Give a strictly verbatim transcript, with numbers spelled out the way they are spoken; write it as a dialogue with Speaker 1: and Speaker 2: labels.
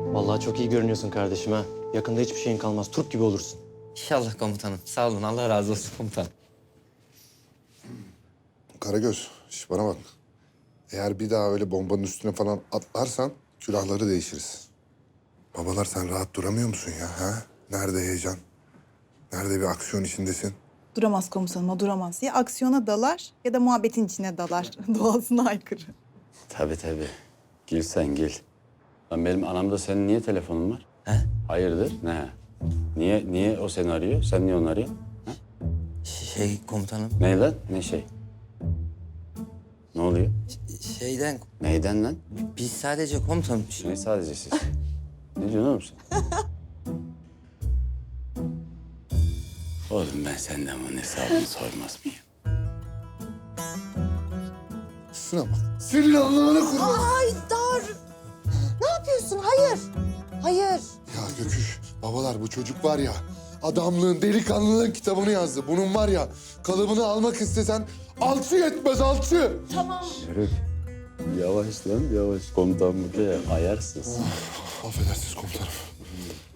Speaker 1: Vallahi çok iyi görünüyorsun kardeşim ha. Yakında hiçbir şeyin kalmaz. Turp gibi olursun.
Speaker 2: İnşallah komutanım. Sağ olun. Allah razı olsun komutanım.
Speaker 3: Karagöz, şş bana bak. Eğer bir daha öyle bombanın üstüne falan atlarsan külahları değişiriz. Babalar sen rahat duramıyor musun ya? Ha? Nerede heyecan? Nerede bir aksiyon içindesin?
Speaker 4: Duramaz komutanım, o duramaz. Ya aksiyona dalar ya da muhabbetin içine dalar. Doğasına aykırı.
Speaker 5: Tabii tabii. Gül sen gül. Lan benim anamda senin niye telefonun var?
Speaker 2: He?
Speaker 5: Hayırdır? Ne? Niye niye o seni arıyor? Sen niye onu arıyorsun? Ha?
Speaker 2: Şey komutanım.
Speaker 5: Ne lan? Ne şey? Ne oluyor?
Speaker 2: Şeyden
Speaker 5: Neyden lan?
Speaker 2: biz sadece komutanım.
Speaker 5: Ne sadece siz? Ne diyorsun oğlum sen? Oğlum ben senden bunun hesabını sormaz mıyım?
Speaker 3: Şuna bak. Senin Allah'ına kurban.
Speaker 6: Haydar! Ne yapıyorsun? Hayır. Hayır.
Speaker 3: Ya Göküş, babalar bu çocuk var ya... adamlığın, delikanlılığın kitabını yazdı. Bunun var ya, kalıbını almak istesen alçı yetmez, alçı.
Speaker 5: Yürü. Yavaş lan yavaş. Komutan bu ya ayarsız.
Speaker 3: Affedersiniz komutanım.